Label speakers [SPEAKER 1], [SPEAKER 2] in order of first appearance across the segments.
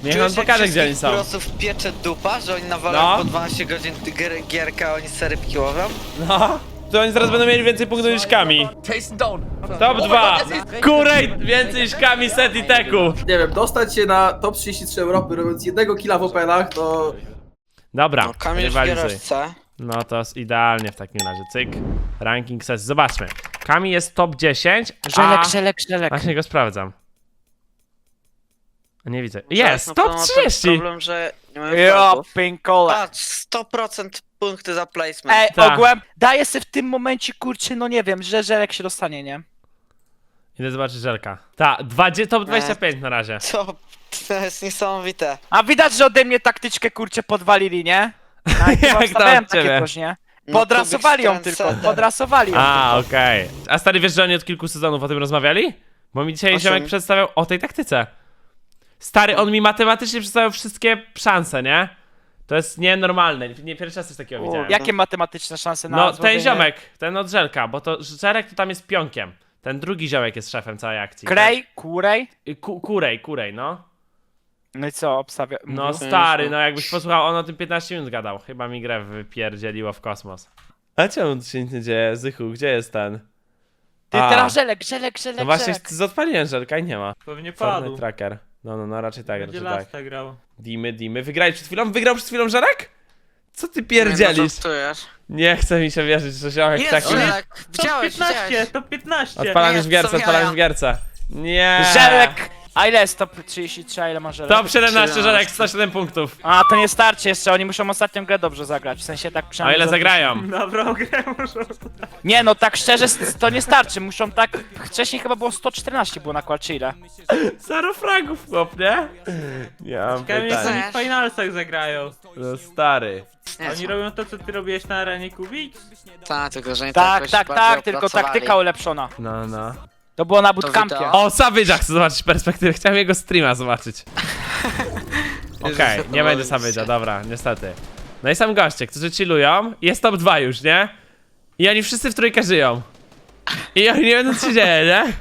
[SPEAKER 1] Niech on pokaże, gdzie oni są.
[SPEAKER 2] Kurosów piecze dupa, że oni nawalają
[SPEAKER 1] No.
[SPEAKER 2] po 12 godzin gierka, a oni sery piłowią?
[SPEAKER 1] No, to oni zaraz będą mieli więcej punktów niż Kami.
[SPEAKER 3] Chase down.
[SPEAKER 1] Top 2! Kurej więcej niż Kami, Set i Teku.
[SPEAKER 4] Nie wiem, dostać się na top 33 Europy robiąc jednego killa w openach, to...
[SPEAKER 1] Dobra,
[SPEAKER 2] No, Kamil w
[SPEAKER 1] rywalizuj.
[SPEAKER 2] giereczce.
[SPEAKER 1] No to jest idealnie w takim razie, cyk. Ranking sesji, zobaczmy. Kami jest top 10, a...
[SPEAKER 2] Żelek.
[SPEAKER 1] Właśnie go sprawdzam. Nie widzę.
[SPEAKER 2] No
[SPEAKER 1] Jest,
[SPEAKER 2] na
[SPEAKER 1] top
[SPEAKER 2] pewno ten
[SPEAKER 1] 30!
[SPEAKER 2] problem, że nie mamy
[SPEAKER 3] Jo,
[SPEAKER 2] fragów.
[SPEAKER 3] pinkole.
[SPEAKER 2] Patrz, 100% punkty za placement.
[SPEAKER 3] Ej,
[SPEAKER 1] Tak.
[SPEAKER 3] ogółem daję sobie w tym momencie, kurczę, no nie wiem, że żelek się dostanie, nie?
[SPEAKER 1] Idę zobaczyć Żelka. Ta, top 25 na razie.
[SPEAKER 2] Co? To jest niesamowite.
[SPEAKER 3] A widać, że ode mnie taktyczkę, kurczę, podwalili, nie?
[SPEAKER 1] Jak tam
[SPEAKER 3] Wstawiałem
[SPEAKER 1] od ciebie?
[SPEAKER 3] takie coś, nie?
[SPEAKER 2] No,
[SPEAKER 3] Podrasowali ją
[SPEAKER 2] Kubik
[SPEAKER 3] tylko,
[SPEAKER 2] Strand
[SPEAKER 3] podrasowali ją
[SPEAKER 1] A,
[SPEAKER 3] tylko.
[SPEAKER 1] okej. A stary, wiesz, że oni od kilku sezonów o tym rozmawiali? Bo mi dzisiaj
[SPEAKER 2] O
[SPEAKER 1] ziomek
[SPEAKER 2] czym?
[SPEAKER 1] przedstawiał o tej taktyce. Stary, on mi matematycznie przedstawiał wszystkie szanse, nie? To jest nienormalne, nie pierwszy raz coś takiego widziałem.
[SPEAKER 3] Jakie matematyczne szanse na
[SPEAKER 1] No, ten
[SPEAKER 3] złożenie?
[SPEAKER 1] ziomek, ten od Żelka, bo to Żelek to tam jest pionkiem. Ten drugi ziomek jest szefem całej akcji.
[SPEAKER 3] Krej, kurej.
[SPEAKER 1] Kurej, no.
[SPEAKER 3] No i co, obstawia...
[SPEAKER 1] No
[SPEAKER 3] mówił?
[SPEAKER 1] stary, no jakbyś posłuchał, on o tym 15 minut gadał. Chyba mi grę wypierdzieliło w kosmos. A czemu tu się nic nie dzieje? Zychu, gdzie jest ten?
[SPEAKER 3] Ty,
[SPEAKER 1] A.
[SPEAKER 3] teraz żelek.
[SPEAKER 1] No właśnie, odpaliłem Żelka i nie ma.
[SPEAKER 5] Pewnie
[SPEAKER 1] Fortnite
[SPEAKER 5] padł.
[SPEAKER 1] Tracker. No, raczej tak,
[SPEAKER 5] Będzie
[SPEAKER 1] raczej tak.
[SPEAKER 5] lasta grał.
[SPEAKER 1] Dimy. Wygrałeś przed chwilą? Wygrał przed chwilą Żelek? Co ty
[SPEAKER 2] Nie,
[SPEAKER 1] pierdzielisz?
[SPEAKER 2] no, żartujesz.
[SPEAKER 1] Nie chce mi się wierzyć, że ziomek
[SPEAKER 2] Jest
[SPEAKER 1] taki...
[SPEAKER 2] Żelek.
[SPEAKER 5] Top
[SPEAKER 2] Widziałeś,
[SPEAKER 5] 15,
[SPEAKER 2] widziałeś.
[SPEAKER 5] top 15.
[SPEAKER 1] Odpalam
[SPEAKER 2] Nie,
[SPEAKER 1] już w gierce,
[SPEAKER 2] są
[SPEAKER 1] odpalam już
[SPEAKER 2] jaja.
[SPEAKER 1] w gierce. Nie.
[SPEAKER 3] Żelek! A ile jest top 33, a ile ma żelek?
[SPEAKER 1] Top 17 Żelek, 107 punktów.
[SPEAKER 3] A, to nie starczy jeszcze, oni muszą ostatnią grę dobrze zagrać, w sensie tak
[SPEAKER 1] A
[SPEAKER 3] przynajmniej...
[SPEAKER 1] ile zagrają?
[SPEAKER 5] Dobrą grę muszą.
[SPEAKER 3] Nie no, tak szczerze, to nie starczy, muszą tak... Wcześniej chyba było 114 było na qual, czy ile?
[SPEAKER 1] 0 fragów, chłop, nie? Nie mam
[SPEAKER 5] Ciekawe, jak
[SPEAKER 1] pytań.
[SPEAKER 5] oni w finalsach zagrają.
[SPEAKER 1] No stary.
[SPEAKER 5] Oni robią to, co ty robiłeś na arenie Kubik?
[SPEAKER 2] Tak, tylko że nie
[SPEAKER 3] Tak,
[SPEAKER 2] jakoś
[SPEAKER 3] tak,
[SPEAKER 2] bardziej
[SPEAKER 3] tak, tylko
[SPEAKER 2] opracowali.
[SPEAKER 3] taktyka ulepszona.
[SPEAKER 1] No.
[SPEAKER 3] To było na
[SPEAKER 2] To
[SPEAKER 3] bootcampie.
[SPEAKER 2] wideo.
[SPEAKER 1] O, Savage'a chcę zobaczyć perspektywę, chciałem jego streama zobaczyć. Okej, nie będzie Savage'a, dobra, niestety. No i są goście, którzy chillują, jest top 2 już, nie? I oni wszyscy w trójkę żyją. I oni nie wiedzą, co się dzieje, nie?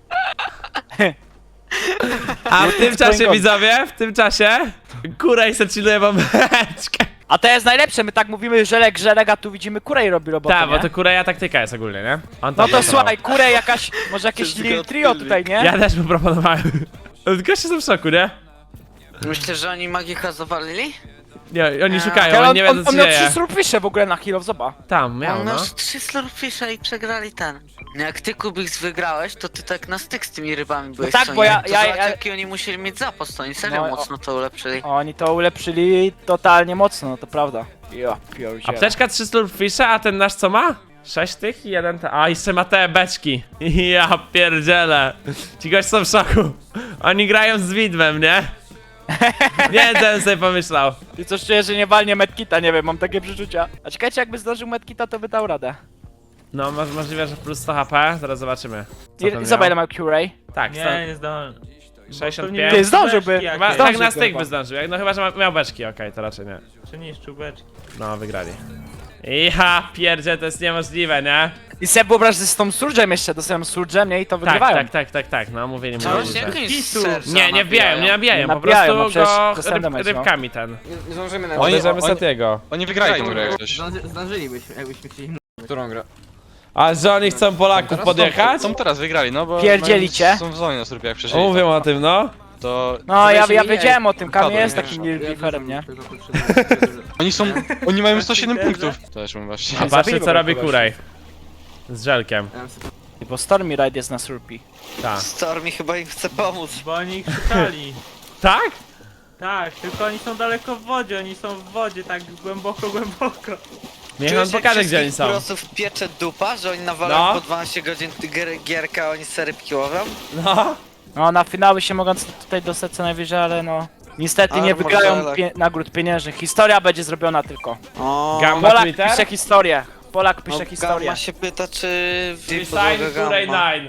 [SPEAKER 1] A w tym czasie, widzowie, w tym czasie Kurej se chilluje bombeczkę.
[SPEAKER 3] A to jest najlepsze, my tak mówimy żelek, a tu widzimy kurej robi robotę,
[SPEAKER 1] Tak, bo
[SPEAKER 3] nie?
[SPEAKER 1] to Kureja taktyka jest ogólnie, nie? On
[SPEAKER 3] No
[SPEAKER 1] tam
[SPEAKER 3] to
[SPEAKER 1] pracował.
[SPEAKER 3] słuchaj, kurej jakaś, może jakieś trio tutaj, nie?
[SPEAKER 1] Ja też mu proponowałem. Goście są w szoku, nie?
[SPEAKER 2] Myślisz, że oni magika zawalili?
[SPEAKER 1] Nie, oni
[SPEAKER 3] Ale
[SPEAKER 1] szukają, oni nie wiedzą, co
[SPEAKER 3] on
[SPEAKER 1] się
[SPEAKER 3] miał
[SPEAKER 1] dzieje.
[SPEAKER 3] 3 surfishe w ogóle na Heal of Zoba.
[SPEAKER 1] Tam, miał,
[SPEAKER 2] On
[SPEAKER 1] no.
[SPEAKER 2] miał 3 slurfisha i przegrali ten. No jak ty Kubiks wygrałeś, to ty tak na styk z tymi rybami byłeś,
[SPEAKER 3] tak,
[SPEAKER 2] co
[SPEAKER 3] bo
[SPEAKER 2] nie?
[SPEAKER 3] ja-
[SPEAKER 2] To
[SPEAKER 3] ja-
[SPEAKER 2] zobacz,
[SPEAKER 3] ja-
[SPEAKER 2] jaki oni musieli mieć zapas, to oni serio
[SPEAKER 3] No,
[SPEAKER 2] mocno to ulepszyli.
[SPEAKER 3] Oni to ulepszyli totalnie mocno, no to prawda. Ja pierdzielę.
[SPEAKER 1] Apteczka 3 slurfisha, a ten nasz co ma? 6 tych i jeden te... A, jeszcze ma te beczki. Ja pierdzielę. Ci goście są w szoku. Oni grają z widmem, nie? Nie wiem, co bym sobie pomyślał.
[SPEAKER 3] I coś czuję, że nie walnie medkita, nie wiem, mam takie przeczucia. A czekajcie, jakby zdążył medkita, to by dał radę.
[SPEAKER 1] No, możliwe, że plus 100 HP, zaraz zobaczymy. Co tam
[SPEAKER 3] Zobacz, ile
[SPEAKER 1] miał.
[SPEAKER 3] ma Curay.
[SPEAKER 1] Tak,
[SPEAKER 5] Nie, nie zdążę.
[SPEAKER 1] 65.
[SPEAKER 3] Ty, zdążyłby.
[SPEAKER 1] Chyba,
[SPEAKER 5] Jakieś.
[SPEAKER 1] tak na
[SPEAKER 3] zdążyłby
[SPEAKER 1] styk
[SPEAKER 3] chyba.
[SPEAKER 1] by zdążył, no chyba, że miał beczki, okej, to raczej nie.
[SPEAKER 5] Przeniszczył beczki.
[SPEAKER 1] No, wygrali. Ja pierdzie, to jest niemożliwe, nie?
[SPEAKER 3] I sobie wyobraź, że z tą Surge'em jeszcze, dostałem Surge'em, nie? I to wygrywają.
[SPEAKER 1] Tak, no mówili,
[SPEAKER 2] Co,
[SPEAKER 1] mówili,
[SPEAKER 2] właśnie
[SPEAKER 1] że...
[SPEAKER 2] jakimś
[SPEAKER 5] Kisu.
[SPEAKER 2] serca
[SPEAKER 1] Nie, nie wbijają, nie nabijają, po
[SPEAKER 3] Nabijają, no
[SPEAKER 1] prostu
[SPEAKER 3] przecież
[SPEAKER 1] go
[SPEAKER 3] dostałem damage, no.
[SPEAKER 1] rybkami ten.
[SPEAKER 4] Nie zdążymy na...
[SPEAKER 1] Bierzemy Satiego.
[SPEAKER 6] Oni wygrali tą grę jak coś.
[SPEAKER 4] Zdążylibyśmy, jakbyśmy chcieli...
[SPEAKER 6] Którą grę?
[SPEAKER 1] A że oni chcą Polaków
[SPEAKER 6] Teraz
[SPEAKER 1] podjechać?
[SPEAKER 6] Są teraz wygrali, no bo...
[SPEAKER 3] Pierdzielicie?
[SPEAKER 6] mają- Są w zonie na surpie jak przeszli.
[SPEAKER 1] Mówią o tym, no.
[SPEAKER 6] To...
[SPEAKER 3] No, ja
[SPEAKER 4] Weź mi
[SPEAKER 3] wiedziałem o tym, Kamil
[SPEAKER 6] Wypadłem,
[SPEAKER 3] jest
[SPEAKER 6] nie?
[SPEAKER 3] takim liferem, nie?
[SPEAKER 6] Oni są... Oni mają 107 punktów. To też mówię właśnie.
[SPEAKER 1] A patrzcie,
[SPEAKER 3] zabili
[SPEAKER 1] co
[SPEAKER 3] go
[SPEAKER 1] robi
[SPEAKER 3] kogoś.
[SPEAKER 1] Kurej. Z Żelkiem.
[SPEAKER 3] Bo Stormy Ride jest na Surpi.
[SPEAKER 1] Tak.
[SPEAKER 2] Stormy chyba im chce pomóc.
[SPEAKER 5] Bo oni ich szukali.
[SPEAKER 1] Tak?
[SPEAKER 5] Tak, tylko oni są daleko w wodzie, oni są w wodzie, tak głęboko.
[SPEAKER 1] Niech on
[SPEAKER 2] Czujesz, jak
[SPEAKER 1] pokaże, gdzie oni
[SPEAKER 2] wszystkich
[SPEAKER 1] są.
[SPEAKER 2] kurosów piecze dupa, że oni nawalają
[SPEAKER 1] No.
[SPEAKER 2] po 12 godzin gierka, a oni sery piłowią?
[SPEAKER 1] No.
[SPEAKER 3] No, na finały się mogą tutaj dostać co najwyżej, ale no... Niestety nie
[SPEAKER 2] Armor
[SPEAKER 3] wygrają
[SPEAKER 2] Żelek.
[SPEAKER 3] nagród pieniężnych. Historia będzie zrobiona tylko.
[SPEAKER 2] O,
[SPEAKER 1] Gamba
[SPEAKER 3] Polak
[SPEAKER 1] Twitter?
[SPEAKER 3] pisze historię. Polak pisze
[SPEAKER 2] no,
[SPEAKER 3] historię.
[SPEAKER 2] Gamma się pyta, czy...
[SPEAKER 1] Resign Kurej 9.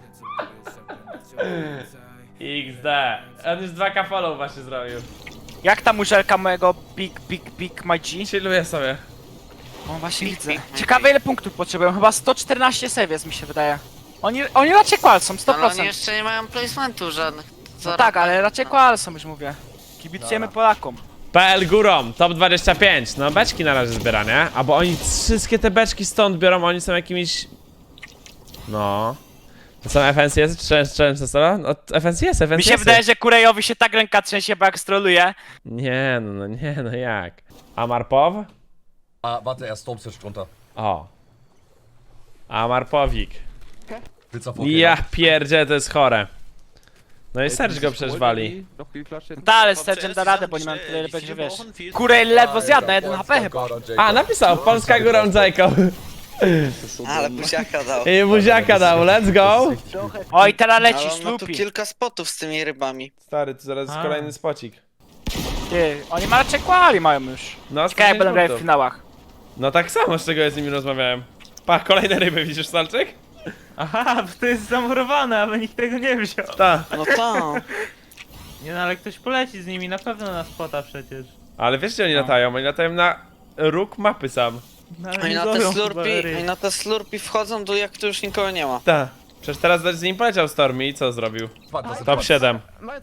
[SPEAKER 1] XD. On już 2K follow właśnie zrobił.
[SPEAKER 3] Jak tam muszelka mojego Big My G?
[SPEAKER 1] Chilluję sobie.
[SPEAKER 3] O, właśnie widzę. Ciekawe ile punktów potrzebują, chyba 114 save jest mi się wydaje. Oni raczej qual są, 100%.
[SPEAKER 2] Ale oni jeszcze nie mają placementu żadnych.
[SPEAKER 3] No tak, ale raczej qual są już mówię. Kibicujemy Polakom.
[SPEAKER 1] PL górą, top 25. No beczki na razie zbiera, nie? A bo oni wszystkie te beczki stąd biorą, oni są jakimiś... No... To są FNCS czy Challenge Solo? No FNCS, FNCS.
[SPEAKER 3] Mi się wydaje, że Kurejowi się tak ręka trzęsie, bo jak stroluje.
[SPEAKER 1] Nie, no jak? Amarpow?
[SPEAKER 7] Ah, warte, er stormt jetzt runter.
[SPEAKER 1] O. Amarpowik.
[SPEAKER 7] Willst du vorgehen?
[SPEAKER 1] Ja pierdzie, to jest chore. No i Serge go przecież wali.
[SPEAKER 3] Ta, ale Sergeant da radę, bo nie mam tyle lepiej, że wiesz. Kurej ledwo zjadł na 1 HP chyba.
[SPEAKER 1] A, napisał, Polska górą Jacob.
[SPEAKER 2] Ale buziaka dał.
[SPEAKER 1] I buziaka dał, let's go.
[SPEAKER 3] Oj, teraz leci
[SPEAKER 2] Ale on ma tu
[SPEAKER 3] Sloopy.
[SPEAKER 2] kilka spotów z tymi rybami.
[SPEAKER 1] Stary, to zaraz jest kolejny spocik.
[SPEAKER 3] Ty, oni ma raczej quali mają już.
[SPEAKER 1] No,
[SPEAKER 3] Ciekawe jak będą grać w
[SPEAKER 1] 105
[SPEAKER 3] finałach.
[SPEAKER 1] No tak samo, z czego ja z nimi rozmawiałem. Pa, kolejne ryby, widzisz, Salczyk?
[SPEAKER 5] Aha, bo to jest zamurowane, aby nikt tego nie wziął.
[SPEAKER 1] Ta.
[SPEAKER 2] No to.
[SPEAKER 5] Nie no, ale ktoś poleci z nimi, na pewno na spota przecież.
[SPEAKER 1] Ale wiesz, gdzie oni latają? Oni latają na róg mapy sam.
[SPEAKER 5] No, ale
[SPEAKER 2] Oni
[SPEAKER 5] nie
[SPEAKER 2] na
[SPEAKER 5] złowią
[SPEAKER 2] te
[SPEAKER 5] chyba
[SPEAKER 2] slurpy,
[SPEAKER 5] ryb.
[SPEAKER 2] oni na te slurpy wchodzą do jak tu już nikogo nie ma.
[SPEAKER 1] Ta. Przecież teraz z nim poleciał Stormy i co zrobił? Top 7.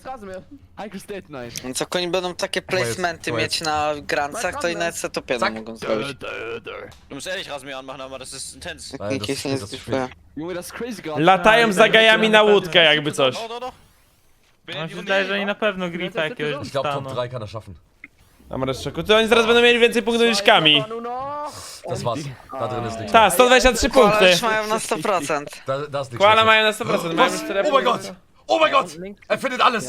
[SPEAKER 2] Więc jak oni będą takie placementy
[SPEAKER 7] to jest-
[SPEAKER 2] mieć na grancach, to i nawet se top 1 mogą zrobić.
[SPEAKER 8] Du musst ehrlich Rasenmäher anmachen, aber das ist intens.
[SPEAKER 2] Jak
[SPEAKER 7] Nein,
[SPEAKER 2] nikt
[SPEAKER 7] das
[SPEAKER 2] się nie
[SPEAKER 7] ist
[SPEAKER 2] zdyskuje.
[SPEAKER 1] Latają za gajami na łódkę, jakby coś.
[SPEAKER 8] Doch, doch, doch. Bin
[SPEAKER 5] No
[SPEAKER 8] in
[SPEAKER 5] się
[SPEAKER 8] die
[SPEAKER 5] wydaje, że
[SPEAKER 8] Runde
[SPEAKER 5] oni na pewno gripa jakiegoś
[SPEAKER 7] Ich glaube, Top
[SPEAKER 5] dostaną.
[SPEAKER 7] 3 kann er schaffen.
[SPEAKER 1] A Mareszczeku, to oni zaraz będą mieli więcej punktów niż Kami.
[SPEAKER 7] Das war's. Da drin ist nichts.
[SPEAKER 1] Ta, 123
[SPEAKER 2] Koala
[SPEAKER 1] punkty.
[SPEAKER 2] już mają na 100%.
[SPEAKER 7] Da ist nichts.
[SPEAKER 1] Koala
[SPEAKER 7] mehr.
[SPEAKER 1] mają na 100%, mają już tyle
[SPEAKER 7] Oh mein Gott! Oh mein Gott! Er findet alles!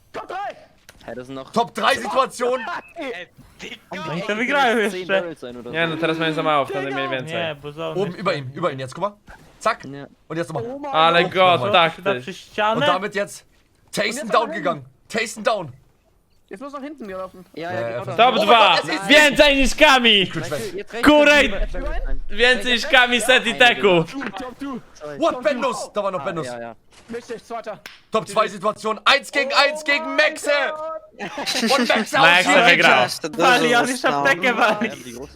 [SPEAKER 7] Top 3 Situation!
[SPEAKER 5] Oni to wygrają jeszcze.
[SPEAKER 1] Nie no, teraz mają za mało, wtedy mieli więcej.
[SPEAKER 5] Nie, bo zone.
[SPEAKER 7] Oben über ihm jetzt, guck mal. Zack! Und jetzt nochmal.
[SPEAKER 1] Ale god, tak
[SPEAKER 5] Przyda
[SPEAKER 1] ty.
[SPEAKER 5] przy
[SPEAKER 7] Und
[SPEAKER 5] ścianę.
[SPEAKER 7] damit jetzt Tasten down gegangen. Tasten down.
[SPEAKER 1] Top 2! Więcej niż Kami!
[SPEAKER 7] Gut weg.
[SPEAKER 1] Kurej! Więcej niż Kami set i teku!
[SPEAKER 7] What, Bendus? Da war noch Bendus. Top 2 Situation. 1 gegen Maxe! Und Maxe
[SPEAKER 1] Maxe
[SPEAKER 7] ausführen!
[SPEAKER 1] wygrał.
[SPEAKER 2] Jeszcze dużo
[SPEAKER 5] Wali, on już
[SPEAKER 2] zostało.
[SPEAKER 5] aptekę wali.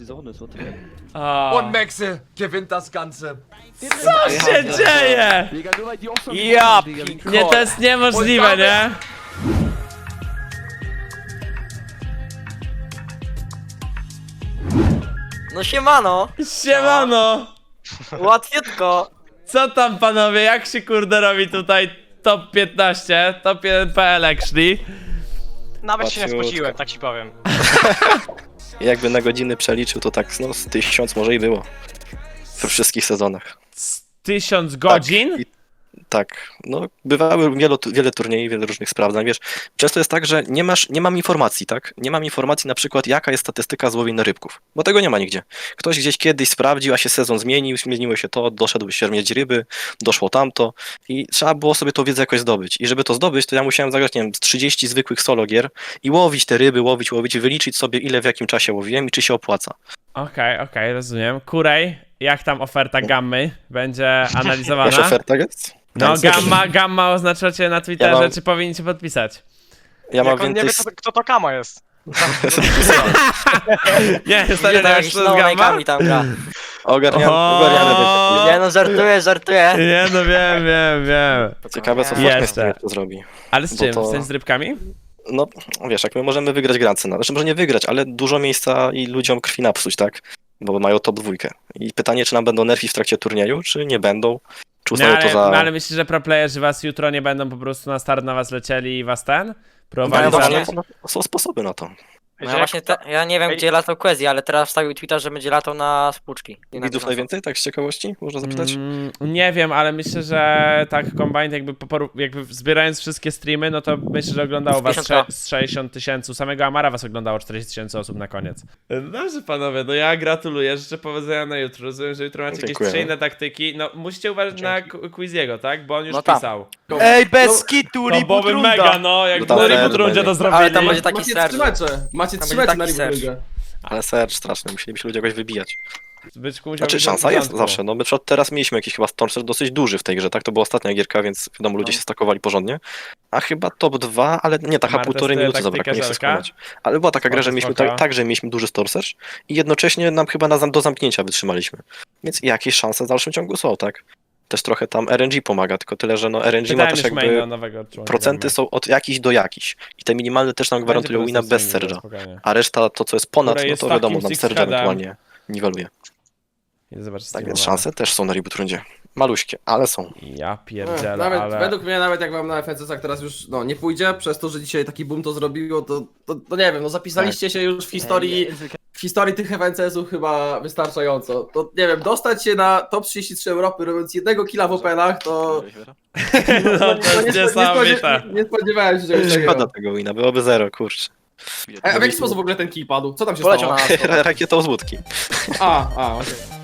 [SPEAKER 1] O,
[SPEAKER 7] Und Maxe gewinnt das Ganze.
[SPEAKER 1] co się dzieje?
[SPEAKER 3] Ja
[SPEAKER 1] Nie, to jest niemożliwe, nie?
[SPEAKER 9] No siemano,
[SPEAKER 1] Siemano!
[SPEAKER 9] łatwiutko.
[SPEAKER 1] Co tam panowie, jak się kurde robi tutaj top 15, top 1 PL actually?
[SPEAKER 8] Nawet się nie spociłem, tak ci powiem.
[SPEAKER 10] Jakby na godziny przeliczył, to tak no, z 1000 może i było. We wszystkich sezonach.
[SPEAKER 1] 1000 godzin?
[SPEAKER 10] I, tak, no bywały wiele turniejów, wiele różnych sprawdzań, wiesz. Często jest tak, że nie mam informacji, tak? Nie mam informacji na przykład jaka jest statystyka złowienia rybków, bo tego nie ma nigdzie. Ktoś gdzieś kiedyś sprawdził, a się sezon zmieniło się to, doszedł się mieć ryby, doszło tamto i trzeba było sobie tą wiedzę jakoś zdobyć. I żeby to zdobyć, to ja musiałem zagrać, nie wiem, z 30 zwykłych solo gier i łowić te ryby, łowić, wyliczyć sobie ile w jakim czasie łowiłem i czy się opłaca.
[SPEAKER 1] Okej, rozumiem. Kurej, jak tam oferta gammy będzie analizowana?
[SPEAKER 10] Jakaś oferta jest?
[SPEAKER 1] No,
[SPEAKER 10] Tak,
[SPEAKER 1] gamma oznaczacie na Twitterze,
[SPEAKER 10] Ja mam-
[SPEAKER 1] czy powinniście podpisać?
[SPEAKER 10] Ja mam
[SPEAKER 8] Jak on nie
[SPEAKER 10] więcej...
[SPEAKER 8] wie, kto to Kama jest.
[SPEAKER 1] Nie,
[SPEAKER 9] Widzę
[SPEAKER 1] stary,
[SPEAKER 9] to
[SPEAKER 1] nie
[SPEAKER 9] jakiś
[SPEAKER 1] wiesz, co jest gamma?
[SPEAKER 9] snowmake'ami tam gra.
[SPEAKER 10] Ogarniamy.
[SPEAKER 9] Nie no, żartuję.
[SPEAKER 1] Nie, no wiem.
[SPEAKER 10] Ciekawe co
[SPEAKER 1] Jeszcze.
[SPEAKER 10] Fortnite to zrobi.
[SPEAKER 1] Ale z
[SPEAKER 10] Bo
[SPEAKER 1] czym?
[SPEAKER 10] to-
[SPEAKER 1] W sensie z rybkami?
[SPEAKER 10] No, wiesz, jak my możemy wygrać grance, znaczy może nie wygrać, ale dużo miejsca i ludziom krwi napsuć, tak? Bo mają top 2. I pytanie, czy nam będą nerfi w trakcie turnieju, czy nie będą? Czy
[SPEAKER 1] No
[SPEAKER 10] uznają to za...
[SPEAKER 1] ale myślisz, że pro playerzy was jutro nie będą po prostu na start na was lecieli i was próbowali
[SPEAKER 9] No właśnie.
[SPEAKER 1] zabić?
[SPEAKER 10] Są sposoby na to.
[SPEAKER 9] No ja właśnie, ja nie wiem gdzie latał Quezzy, ale teraz wstawił tweeta, że będzie latał na spłuczki. I na
[SPEAKER 10] Widzów
[SPEAKER 9] Bizonsa.
[SPEAKER 10] najwięcej, tak z ciekawości? Można zapytać?
[SPEAKER 1] Nie wiem, ale myślę, że tak Combined jakby zbierając wszystkie streamy, no to myślę, że oglądało was
[SPEAKER 9] 50K.
[SPEAKER 1] z 60 000, samego Amara was oglądało 40 000 osób na koniec. Dobrze panowie, no ja gratuluję, życzę powodzenia na jutro, rozumiem, że jutro macie jakieś
[SPEAKER 10] Dziękujemy.
[SPEAKER 1] trzy inne taktyki, no musicie uważać na Quiziego, tak, bo on już
[SPEAKER 9] No tam.
[SPEAKER 1] pisał.
[SPEAKER 3] Ej, bez kitu,
[SPEAKER 1] To
[SPEAKER 3] reboot
[SPEAKER 1] byłoby
[SPEAKER 3] runda.
[SPEAKER 1] mega, no, jak
[SPEAKER 10] No tam
[SPEAKER 1] na
[SPEAKER 10] fair
[SPEAKER 1] reboot rundzie to
[SPEAKER 10] będzie.
[SPEAKER 1] zrobili.
[SPEAKER 9] Ale tam będzie taki
[SPEAKER 4] Macie
[SPEAKER 9] serce.
[SPEAKER 4] 3 mecze. Macie
[SPEAKER 9] Tam
[SPEAKER 4] 3
[SPEAKER 9] będzie
[SPEAKER 4] mecze na
[SPEAKER 9] taki serce.
[SPEAKER 4] Ligę.
[SPEAKER 10] Ale sercz straszny, musielibyśmy ludzi jakoś wybijać.
[SPEAKER 1] Byczku musiał
[SPEAKER 10] Znaczy
[SPEAKER 1] być na
[SPEAKER 10] szansa jest
[SPEAKER 1] początku.
[SPEAKER 10] zawsze, no my teraz mieliśmy jakiś chyba storm dosyć duży w tej grze, tak? To była ostatnia gierka, więc wiadomo, ludzie się stakowali porządnie. A chyba top 2, ale nie, taka
[SPEAKER 1] Marta
[SPEAKER 10] półtorej
[SPEAKER 1] style
[SPEAKER 10] minuty zabrakło, nie chcę
[SPEAKER 1] taktyka
[SPEAKER 10] skłamać. Ale była taka gra, że
[SPEAKER 1] Spoko,
[SPEAKER 10] mieliśmy
[SPEAKER 1] spoko.
[SPEAKER 10] tak, że mieliśmy duży store search i jednocześnie nam chyba do zamknięcia wytrzymaliśmy. Więc jakieś szanse w dalszym ciągu są, tak? też trochę tam RNG pomaga, tylko tyle, że no RNG ma
[SPEAKER 1] Pytałem
[SPEAKER 10] też
[SPEAKER 1] już maina
[SPEAKER 10] jakby
[SPEAKER 1] nowego członka.
[SPEAKER 10] procenty są od jakichś do jakichś i te minimalne też nam gwarantują wina bez Serge'a, a reszta to co jest ponad,
[SPEAKER 1] Które
[SPEAKER 10] no
[SPEAKER 1] jest
[SPEAKER 10] to wiadomo,
[SPEAKER 1] takim
[SPEAKER 10] nam
[SPEAKER 1] six
[SPEAKER 10] Serge'a
[SPEAKER 1] headem.
[SPEAKER 10] ewentualnie niweluje.
[SPEAKER 1] Zobacz,
[SPEAKER 10] Tak więc szanse też są na reboot rundzie. Maluśkie, ale są.
[SPEAKER 1] Ja pierdzielę,
[SPEAKER 4] Nawet,
[SPEAKER 1] ale...
[SPEAKER 4] według mnie nawet jak wam na FNCS-ach teraz już nie pójdzie, przez to, że dzisiaj taki boom to zrobiło, to nie wiem, zapisaliście się już w historii tych FNCS-ów chyba wystarczająco. To nie wiem, dostać się na top 33 Europy robiąc jednego killa w Openach, to...
[SPEAKER 1] No, to jest niesamowite.
[SPEAKER 4] Nie spodziewałem się czegoś
[SPEAKER 10] Szkoda
[SPEAKER 4] takiego.
[SPEAKER 10] tego wina, byłoby zero, kurczę.
[SPEAKER 4] A w jaki sposób w ogóle ten kill padł? Co tam się
[SPEAKER 10] Poleciał
[SPEAKER 4] stało?
[SPEAKER 10] rakietą z łódki.
[SPEAKER 4] A, okej.